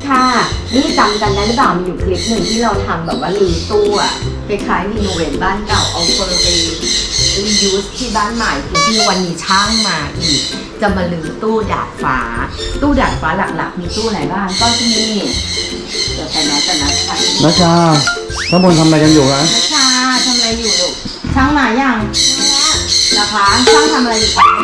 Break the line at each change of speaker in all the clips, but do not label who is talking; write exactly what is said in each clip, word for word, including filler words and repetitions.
ค่ะนี่จำกันได้หรือเปล่ามีอยู่คลิปหนึ่งที่เราทำแบบว่ารื้อตู้อะคล้ายๆรีโนเวทบ้านเก่าเอาเฟอร์ไปรียูสที่บ้านใหม่คือที่วันนี้ช่างมาอีกจะมารื้อตู้ดาดฟ้าตู้ดาดฟ้าหลักๆมีตู้ไหนบ้างก็ที่นี่เดี๋ยวไปนัดกันนะค่ะ
นัชชาข้างบนทำอะไรกันอยู่คะ
นัชชาทำอะไรอยู่ลูกช่างมายังนะคะช่างทำอะไรอยู่คะ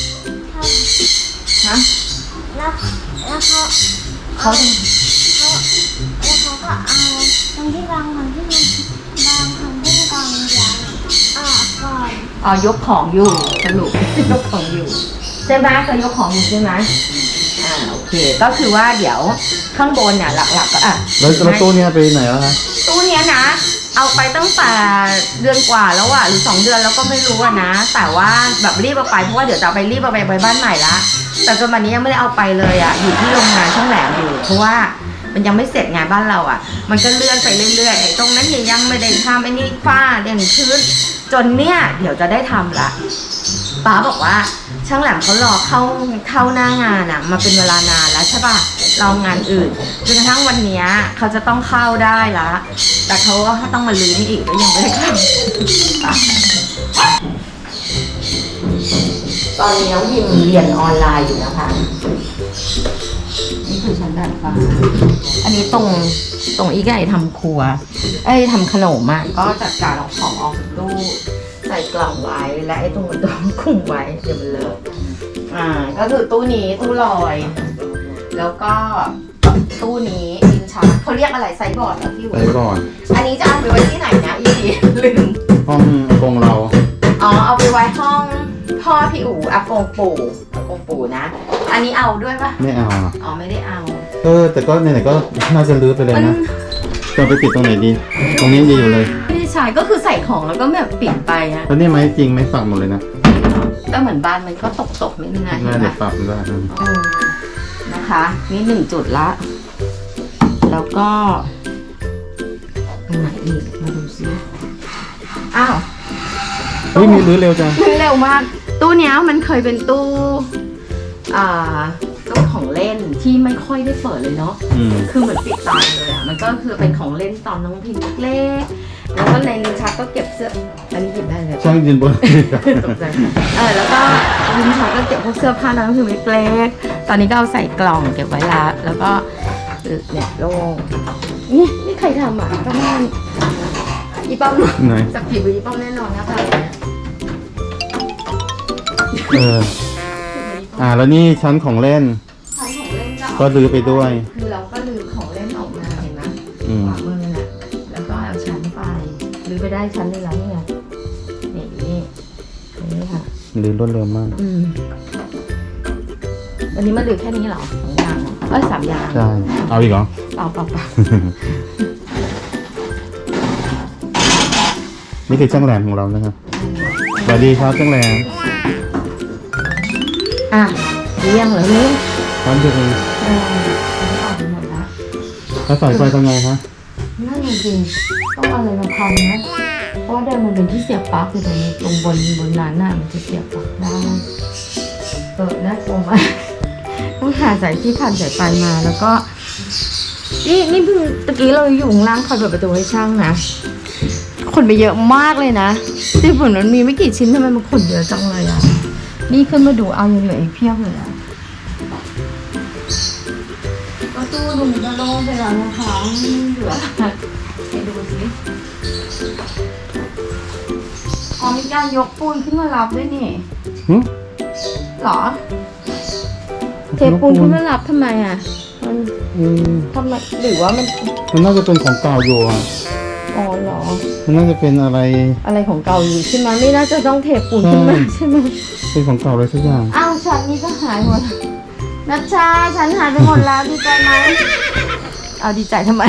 ฮะ
แล้วแล้วเขา
เขา
เขาแล้วเขาก็เอาตรงที่วางของที่มันวางของที่กองยางออกก่อน
อ๋อยกของอยู่สรุป ยกของอยู่ใช่ไหมก็ยกของอยู่ใช่ไหมอ่าโอเคก็คือว่าเดี๋ยวข้างบนเนี่ยหลักๆก็อ่ะ
แล้วแล้วตู้เนี้ยไปไหนแล้วคะ
ตู้เนี้ยนะเอาไปตั้งแต่เดือนกว่าแล้วอะหรือสองเดือนแล้วก็ไม่รู้อะนะแต่ว่าแบบรีบเอาไปเพราะว่าเดี๋ยวจะเอาไปรีบเอาไปไปบ้านใหม่ละแต่จนวันนี้ยังไม่ได้เอาไปเลยอะอยู่ที่โรงงานช่างแหลมอยู่เพราะว่ามันยังไม่เสร็จงานบ้านเราอะมันก็เลื่อนไปเรื่อยๆไอ้ตรงนั้นเนี่ยยังไม่ได้ทำไอ้นี่ฝ้าเด่นพื้นจนเนี่ยเดี๋ยวจะได้ทำละป้าบอกว่าช่างแหลมเขารอเข้าเข้าหน้างานอะมาเป็นเวลานานแล้วใช่ป่ะเรางานอื่นจนกระทั่งวันนี้เขาจะต้องเข้าได้ละแต่เขาก็ต้องมาลื้อนี่อีกก็ยังไม่ได้เข้าตอนนี้น้องพิมเรียนออนไลน์อยู่นะคะนี่คือชั้นดาดฟ้าอันนี้ตรงตรงอีกไก่ทำครัวไอ้ทำขนมอ่ะก็จัดการเอาของออกตู้ใส่กล่องไว้และไอ้ตรงตรงคุมไว้เดี๋ยวมันเลอะอ่าก็คือตู้นี้ตู้ลอยแล้วก็ตู้นี้ดินชักเขาเรียกอะไรไซบอร์ดเหรอพี่
ไปก่อน
อันนี้จะเอาไปไว้ที่ไหนนะอีดีลืม
ห้องอากงเรา
อ๋อเอาไปไว้ห้องพ่อพี่อู๋อากงปู่อากงปู่นะอันนี้เอาด้วยปะ
ไม่เอาอะ
อ๋อไม่ได้เอา
เออแต่ก็ไหนๆก็น่าจะรื้อไปเลยนะจะไปติดตรงไหนดี ตรงนี้ดีอยู่เลย
ไม่ได้ใช้ก็คือใส่ของแล้วก็แบบปิดไปอะ
แล้วนี่ไม้จริงไม่ฝักหมดเลยนะ
ก็เหมือนบ้านมันก็ตกตกๆนิดนึงนะเห็
น่าน
ไหม
จะปรับได้อืม
เออนะคะนี่หนึ่งจุดละแล้วก็ตรงไหนอีกมาดูซิอ้าว
เฮ้ยมีรื้อเร็วจัง
คือเร็วมากตู้เนี้ยมันเคยเป็นตู้อ่าตู้ของเล่นที่ไม่ค่อยได้เปิดเลยเนาะ
อืม
คือเหมือนปิดตายเลยอ่ะมันก็คือเป็นของเล่นตอนน้องพิมพ์เล็กๆแล้วก็ในลิ้นชักก็เก็บเสื้ออันนี้หยิบได้เลย
ช่างยืนบน
ตกใจเออแล้วก็ลิ้นชักก็เก็บพวกเสื้อผ้าน้องพิมพ์เล็กๆตอนนี้ก็เอาใส่กล่องเก็บไว้ละแล้วก็เนี่ยโล่งนี่นี่ใครทำอ่ะก็ไม่อีป้อม
ไหน
จับผิดอีป้อมแน่นอนนะคะ
เออ อ่าแล้วนี่ชั้นของเล่น
ใช้ของเล่นก็
ก็รื้อไปด้วย
คือเราก็ลืมของเล่นออกมาเห็นไหม
อืม
ขวามือน่ะแล้วก็เอาชั้นไปลืมไปได้ชั้นนึงแล้วนี่ไงนี่นี่นี่ค่ะ
รื้อรวดเร็วมาก
อืมวันนี้มาลืมแค่นี้เหรอสองอย่างเหรอเอ้ยสามอย่าง
ใช่ เอาอีกเหรอ
เปล่าเปล่าเปล่า
นี่คือช่างแหลมของเรานะครับ สวัสดีครับช่างแหลม
อ่ะเลี้ยงเหรอลูก
ครับเดี๋ยว
เอออันนี้ออกไปหมดละ
แล้วสายไฟทำไงคะ
นั่นจริงต้องเอาอะไรมาพันนะเพราะว่าเดิมมันเป็นที่เสียบปลั๊กอยู่ตรงนี้ตรงบนบนนั้นน่ะมันจะเสียบปลั๊กได้เออน่ากลัวมากต้องหาสายที่พันสายไฟมาแล้วก็นี่นี่เพิ่งตะกี้เราอยู่ข้างล่างคอยเปิดประตูให้ช่างนะขนไปเยอะมากเลยนะที่ฝุ่นมันมีไม่กี่ชิ้นทำไมมันขนเยอะจังเลยอ่ะนี่ขึ้นมาดูเอายังเหลืออีกเพียบเลยอ่ะก็ตู้ดูมันจะโล่งไปแล้วนะคะไม่เหลือไปดูสิอ๋อมีการยกปูนขึ้นมารับด้วยนี่
หึ
หรอเทปูนขึ้นมารับทำไมอ่ะมัน
อืม
ทำไมหรือว่ามัน
มันน่าจะเป็นของเก่าอยู่อ่ะ
อ๋อเหรอ
มันน่าจะเป็นอะไร
อะไรของเก่าอยู่ใช่ไหมไม่น่าจะต้องเทปูนขึ้นมาใช่ไหม
เป็นของเก่าอะไรสักอย่าง
อ้าวฉันนี่ก็หายหมดนัชชาฉันหายไปหมดแล้วดีใจไหมเอาดีใจทำไม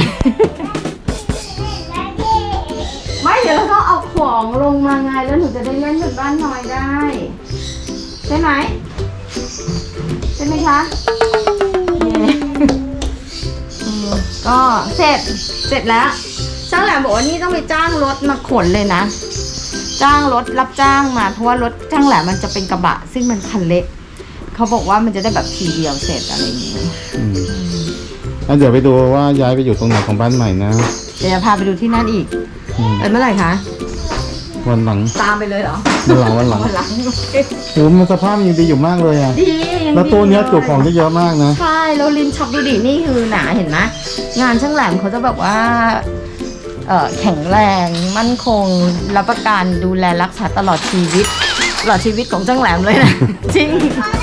ไม่เดี๋ยวเราต้องเอาของลงมาไงแล้วหนูจะได้เล่นบนบ้านน้อยได้ ใช่ไหมใช่ไหมคะเย้อืมก็เสร็จเสร็จแล้วช่างแหลมบอกว่านี่ต้องไปจ้างรถมาขนเลยนะ จ้างรถรับจ้างมาเพราะว่ารถช่างแหลมมันจะเป็นกระบะซึ่งมันคันเล็กเขาบอกว่ามันจะได้แบบทีเดียวเสร็จอะไรอย่างนี้
อืมอ่ะเดี๋ยวไปดูว่าย้ายไปอยู่ตรงไหนของบ้านใหม่นะ
เดี๋ยวจะพาไปดูที่นั่นอีก
อืม
เออเมื่อไหร่คะ
วันหลัง
ตามไปเลยเหรอ
วันหลังวันหลัง
วันหลัง
โอ้มันสภาพยังดีอยู่มากเลยอ่ะ
ดียัง
แล้วตู้เนี้ย
ดี
จุของได้เยอะมากนะ
ใช่แล้วลินช็อปดูดินี่คือหนาเห็นไหมงานช่างแหลมเขาจะแบบว่าเอ่อแข็งแรงมั่นคงรับประกันดูแลรักษาตลอดชีวิตตลอดชีวิตของช่างแหลมเลยนะ จริง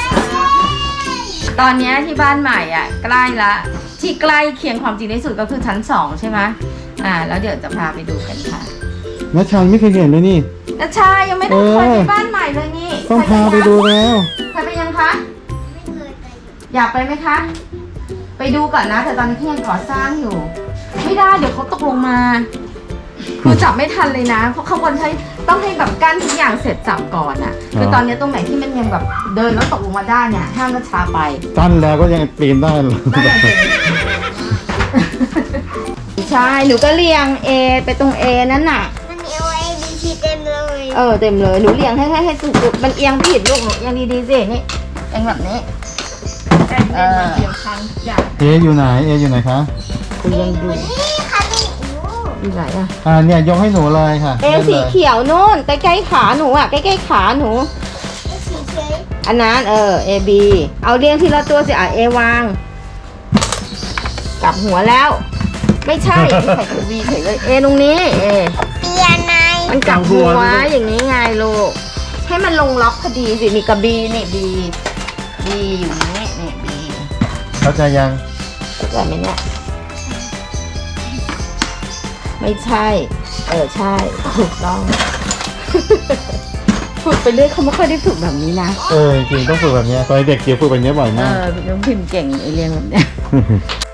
ตอนเนี้ยที่บ้านใหม่อ่ะใกล้ละที่ใกล้เคียงความจริงที่สุดก็คือชั้นสองใช่ไหมอ่า แล้วเดี๋ยวจะพาไปดูกันค่ะ
แม่ชายไม่เคยเห็นเลยนี่
นัชชายังไม่ได้เคยไปบ้านใหม่เลยนี่
ต้องพาไปดูแล้ว
เคยไปยังคะ
ไม่เคยไปอยู่
อยากไปไหมคะ ไปดูก่อนนะ แต่ตอนนี้ที่ยังก่อสร้างอยู่ ไม่ได้เดี๋ยวเขาตกลงมาคือจับไม่ทันเลยนะเพราะเขาบนใช้ต้องให้แบบกั้นทุกอย่างเสร็จจับก่อนอ่ะคือตอนนี้ตรงไหนที่มันยังแบบเดินแล้วตกลงมาได้เนี่ยห้ามนัชชาไป
ตั้นแล้วก็ยังปีนได้เลย
ได้อย่างเดียวใช่หนูก็เรียง A ไปตรง A นั่นน่ะ
มันมี O A B C เต็มเลย
เออเต็มเลยหนูเรียงให้ให้ให้ถูกๆมันเอียงผิดลูกหนูเอียงดีๆสินี่เอียงแบบนี้เออ
เออยู่ไหนเออยู่ไหนคะ
กูยังดู
นี่ค่ะนี่โอ้
อยู่ไหนอะ
อ่าเนี่ยยกให้หนูเลยค่ะ
เอ
ล่น
สี
เลย
เขียวนู่นใกล้ๆขาหนูอะใกล้ๆขาหนู
ไอ้สีเขียว
อันนั้นเออ A B เอาเรียงทีละตัวสิอ่ะ A วางกลับหัวแล้ว ไม่ใช่ใส่ตัว B เฉยเลย A ตรงนี้ A
เปียนาย
มันกลับหัวอย่างนี้ไงลูกให้มันลงล็อกพอดีสินี่กับ B นี่ B B อยู่นี่นี่ B
เข้าใจยัง
เข้าใจไหมเนี่ยไม่ใช่ เออใช่ถูกต้อง ฝึกไปเรื่อยเขาไม่ค่อยได้ฝึกแบบนี้นะ
เออจริงๆต้องฝึกแบบเนี้ยตอนเด็กเกียวฝึกแบบเนี้ยบ่อย
เอ
มาก
อน้องพิมพ์เก่งไอเรียนแบบเนี้ย